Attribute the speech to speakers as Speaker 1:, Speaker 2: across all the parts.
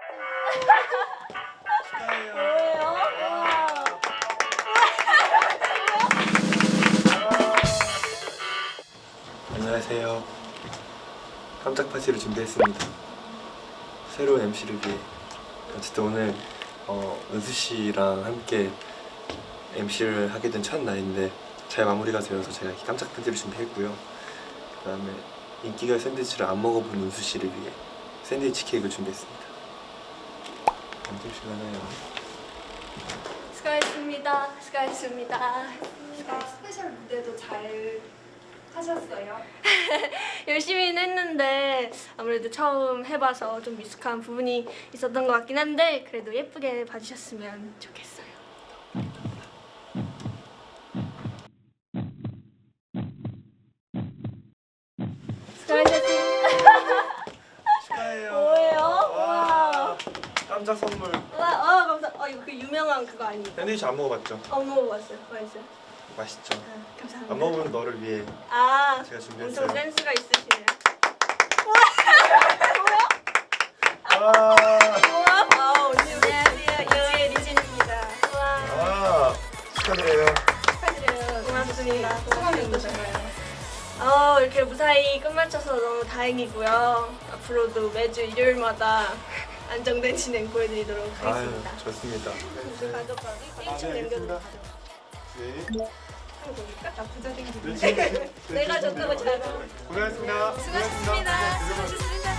Speaker 1: 뭐예요?
Speaker 2: 안녕하세요. 깜짝 파티를 준비했습니다. 새로운 MC를 위해. 어쨌든 오늘 은수 씨랑 함께 MC를 하게 된 첫 날인데 잘 마무리가 되어서 제가 이렇게 깜짝 파티를 준비했고요. 그다음에 인기가요 샌드위치를 안 먹어본 은수 씨를 위해 샌드위치 케이크를 준비했습니다. 드시나요?
Speaker 1: 수고하셨습니다. 수고하셨습니다. 스페셜 무대도 잘 하셨어요? 열심히는 했는데 아무래도 처음 해봐서 좀 미숙한 부분이 있었던 것 같긴 한데 그래도 예쁘게 봐주셨으면 좋겠어요. 수고하셨습니다.
Speaker 2: 축하해요.
Speaker 1: 뭐예요?
Speaker 2: 와, 깜짝 선물.
Speaker 1: 와, 감사. 이거 그 유명한 그거 아니에요?
Speaker 2: 샌드위치 안 먹어봤죠?
Speaker 1: 안 먹어봤어요. 맛있어요.
Speaker 2: 맛있죠?
Speaker 1: 감사합니다.
Speaker 2: 안 먹어본 너를 위해
Speaker 1: 아,
Speaker 2: 제가 준비했어요.
Speaker 1: 엄청 센스가 있으시네요.
Speaker 2: 와,
Speaker 1: 아, 언니 안녕하세요. 이지혜 리진입니다. 와,
Speaker 2: 축하드려요.
Speaker 1: 축하드려요. 고맙습니다. 소감이 어떠신가요? 이렇게 무사히 끝마쳐서 너무 다행이고요. 앞으로도 매주 일요일마다 안정된 진행 보여드리도록 하겠습니다.
Speaker 2: 좋습니다.
Speaker 1: 우리 가져가. 1층 남겨도 가져가.
Speaker 2: 네.
Speaker 1: 나 부자 생기네. 내가 줬다고 잘
Speaker 2: 고생하셨습니다.
Speaker 1: 수고하셨습니다. 수고하셨습니다.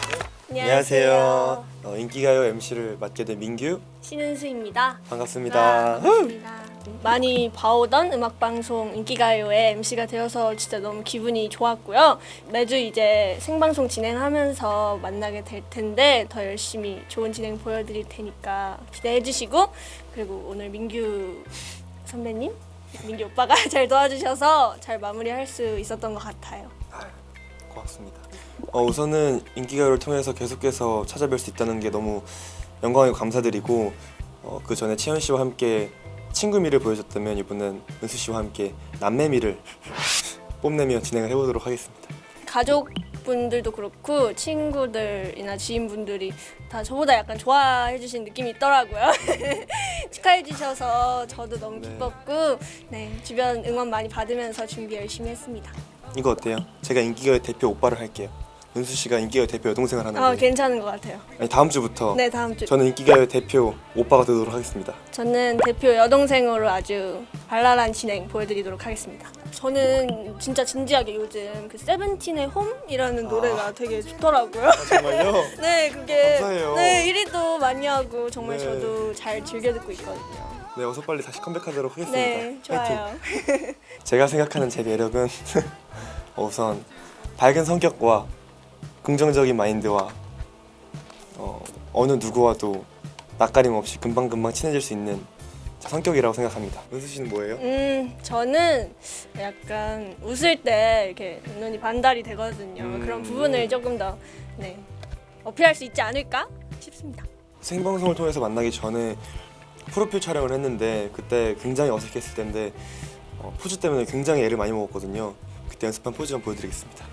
Speaker 2: 안녕하세요. 인기가요 MC를 맡게 된 민규.
Speaker 1: 신은수입니다.
Speaker 2: 반갑습니다.
Speaker 1: 반갑습니다. 많이 봐오던 음악방송 인기가요의 MC가 되어서 진짜 너무 기분이 좋았고요. 매주 이제 생방송 진행하면서 만나게 될 텐데 더 열심히 좋은 진행 보여드릴 테니까 기대해 주시고 그리고 오늘 민규 선배님, 민규 오빠가 잘 도와주셔서 잘 마무리할 수 있었던 것 같아요.
Speaker 2: 고맙습니다. 우선은 인기가요를 통해서 계속해서 찾아뵐 수 있다는 게 너무 영광이고 감사드리고 그 전에 채연 씨와 함께 친구미를 보여줬다면 이번엔 은수 씨와 함께 남매미를 뽐내며 진행을 해보도록 하겠습니다.
Speaker 1: 가족분들도 그렇고 친구들이나 지인분들이 다 저보다 약간 좋아해 주신 느낌이 있더라고요. 축하해 주셔서 저도 너무 기뻤고 네, 주변 응원 많이 받으면서 준비 열심히 했습니다.
Speaker 2: 이거 어때요? 제가 인기가요 대표 오빠를 할게요. 은수 씨가 인기가요 대표 여동생을 하는 거예요.
Speaker 1: 괜찮은 것 같아요.
Speaker 2: 아니 다음 주부터
Speaker 1: 네, 다음 주.
Speaker 2: 저는 인기가요 대표 오빠가 되도록 하겠습니다.
Speaker 1: 저는 대표 여동생으로 아주 발랄한 진행 보여드리도록 하겠습니다. 저는 진짜 진지하게 요즘 그 세븐틴의 홈이라는 노래가 되게 좋더라고요.
Speaker 2: 정말요?
Speaker 1: 네, 그게
Speaker 2: 감사해요.
Speaker 1: 네 1위도 많이 하고 정말
Speaker 2: 네.
Speaker 1: 저도 잘 즐겨 듣고 있거든요.
Speaker 2: 네, 어서 빨리 다시 컴백하도록 하겠습니다.
Speaker 1: 네, 좋아요.
Speaker 2: 파이팅. 제가 생각하는 제 매력은 우선 밝은 성격과 긍정적인 마인드와 어느 누구와도 낯가림 없이 금방금방 친해질 수 있는 성격이라고 생각합니다. 은수 씨는 뭐예요?
Speaker 1: 저는 약간 웃을 때 이렇게 눈이 반달이 되거든요. 그런 부분을 조금 더 네, 어필할 수 있지 않을까 싶습니다.
Speaker 2: 생방송을 통해서 만나기 전에 프로필 촬영을 했는데 그때 굉장히 어색했을 텐데 포즈 때문에 굉장히 애를 많이 먹었거든요. 그때 연습한 포즈 좀 보여드리겠습니다.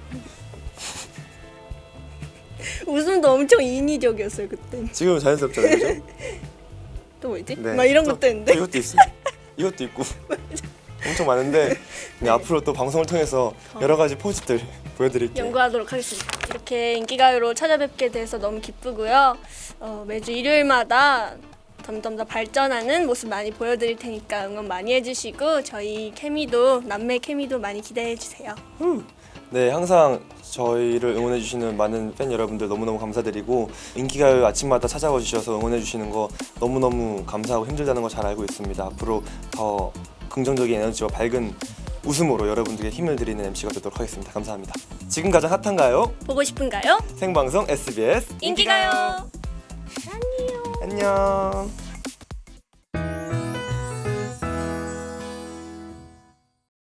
Speaker 1: 웃음도 엄청 인위적이었어요 그때.
Speaker 2: 지금은 자연스럽잖아요, 그죠?
Speaker 1: 또 뭐 있지?
Speaker 2: 네.
Speaker 1: 막 이런 것도 했는데.
Speaker 2: 이것도 있어. 이것도 있고 엄청 많은데 네, 앞으로 또 방송을 통해서 여러 가지 포즈들 보여드릴게요.
Speaker 1: 연구하도록 하겠습니다. 이렇게 인기가요로 찾아뵙게 돼서 너무 기쁘고요. 매주 일요일마다 점점 더 발전하는 모습 많이 보여드릴 테니까 응원 많이 해주시고 저희 케미도 남매 케미도 많이 기대해 주세요.
Speaker 2: 네, 항상 저희를 응원해주시는 많은 팬 여러분들 너무너무 감사드리고 인기가요 아침마다 찾아와 주셔서 응원해주시는 거 너무너무 감사하고 힘들다는 거 잘 알고 있습니다. 앞으로 더 긍정적인 에너지와 밝은 웃음으로 여러분들께 힘을 드리는 MC가 되도록 하겠습니다. 감사합니다. 지금 가장 핫한가요?
Speaker 1: 보고 싶은가요?
Speaker 2: 생방송 SBS
Speaker 1: 인기가요.
Speaker 2: 안녕.